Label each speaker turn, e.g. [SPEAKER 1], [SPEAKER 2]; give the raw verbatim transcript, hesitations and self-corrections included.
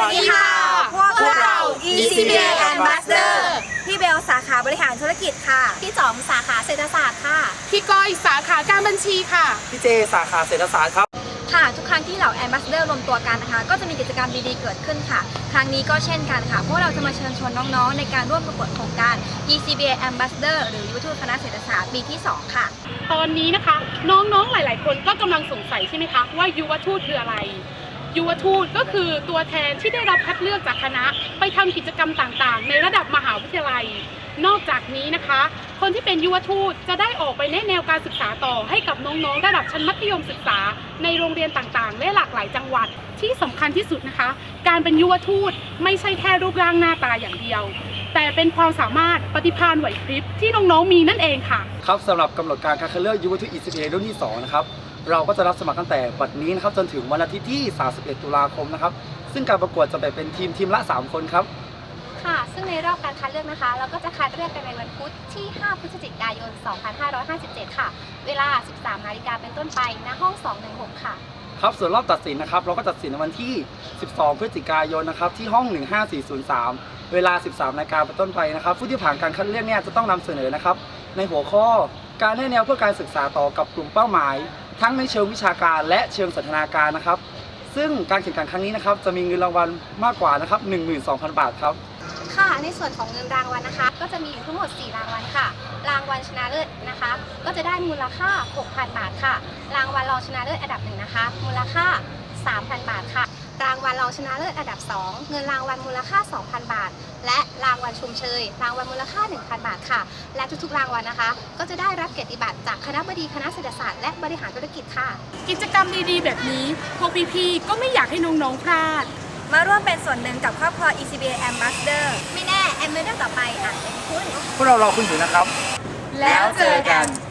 [SPEAKER 1] ดีค่ะพวกเรา อี ซี บี เอ Ambassador
[SPEAKER 2] พี่เบลสาขาบริหารธุรกิจค่ะ
[SPEAKER 3] พี่จอมสาขาเศรษฐศาสตร์ค่ะ
[SPEAKER 1] พี่ก้อยสาขาการบัญชีค่ะ
[SPEAKER 4] พี่เจสาขาเศรษฐศาสตร์ครับ
[SPEAKER 2] ค่ะทุกครั้งที่เหล่า Ambassador รวมตัวกันนะคะก็จะมีกิจกรรมดีๆเกิดขึ้นค่ะครั้งนี้ก็เช่นกันค่ะพวกเราจะมาเชิญชวนน้องๆในการร่วมประกวดโครงการ อี ซี บี เอ Ambassador หรือยุวทูตคณะเศรษฐศาสตร์ปีที่สองค่ะ
[SPEAKER 1] ตอนนี้นะคะน้องๆหลายๆคนก็กำลังสงสัยใช่ไหมคะว่ายุวทูตคืออะไรยุวทูตก็คือตัวแทนที่ได้รับคัดเลือกจากคณะไปทำกิจกรรมต่างๆในระดับมหาวิทยาลัยนอกจากนี้นะคะคนที่เป็นยุวทูตจะได้ออกไปแนะแนวการศึกษาต่อให้กับน้องๆระดับชั้นมัธยมศึกษาในโรงเรียนต่างๆและหลากหลายจังหวัดที่สำคัญที่สุดนะคะการเป็นยุวทูตไม่ใช่แค่รูปร่างหน้าตาอย่างเดียวแต่เป็นความสามารถปฏิภาณไหวพริบที่น้องๆมีนั่นเองค่ะ
[SPEAKER 4] ครับสำหรับกำหนดการการคัดเลือกยุวทูต อี ซี บี เอ รุ่นที่สองนะครับเราก็จะรับสมัครตั้งแต่บัดนี้นะครับจนถึงวันอาทิตย์ที่สามสิบเอ็ดตุลาคมนะครับซึ่งการประกวดจะแบ่งเป็นทีมทีมละสามคนครับ
[SPEAKER 3] ค่ะซึ่งในรอบการคัดเลือกนะคะเราก็จะคัดเลือกกันในวันพุธที่ห้าพฤศจิกายนสองพันห้าร้อยห้าสิบเจ็ดค่ะเวลา สิบสามนาฬิกาเป็นต้นไปณห้องสองหนึ่งหกค่ะ
[SPEAKER 4] ครับส่วนรอบตัดสินนะครับเราก็ตัดสินในวันที่สิบสองพฤศจิกายนนะครับที่ห้องหนึ่งห้าสี่ศูนย์สามเวลา สิบสามนาฬิกาเป็นต้นไปนะครับผู้ที่ผ่านการคัดเลือกเนี่ยจะต้องนำเสนอนะครับในหัวข้อการให้แนวเพื่อการศึกษาต่อกับกลุ่มเป้าหมายทั้งในเชิงวิชาการและเชิงสันทนาการนะครับซึ่งการแข่งขันครั้งนี้นะครับจะมีเงินรางวัลมากกว่านะครับ หนึ่งหมื่นสองพัน บาทครับ
[SPEAKER 3] ค่ะในส่วนของเงินรางวัลนะคะก็จะมีอยู่ทั้งหมดสี่รางวัลค่ะรางวัลชนะเลิศนะคะก็จะได้มูลค่า หกพัน บาทค่ะรางวัลรองชนะเลิศอันดับหนึ่งนะคะมูลค่า สามพัน บาทค่ะรางวัลรองชนะเลิศอันดับสองเงินรางวัลมูลค่า สองพัน บาทและรางวัลชมเชยรางวัลมูลค่า หนึ่งพัน บาทค่ะและทุกๆรางวัลนะคะก็จะได้รับเกียรติบัตรจากคณบดีคณะเศรษฐศาสตร์และบริหารธุรกิจค่ะ
[SPEAKER 1] กิจกรรมดีๆแบบนี้พวกพี่ๆก็ไม่อยากให้น้องๆพลาด
[SPEAKER 2] มาร่วมเป็นส่วนหนึ่งกับครอบครัว อี ซี บี เอ Ambassador
[SPEAKER 3] ไม่แน่แอมเบอร์ต่อไปอาจเป็นคุณ
[SPEAKER 4] พวกเรารอคุณอยู่นะครับ
[SPEAKER 2] แล้วเจอกัน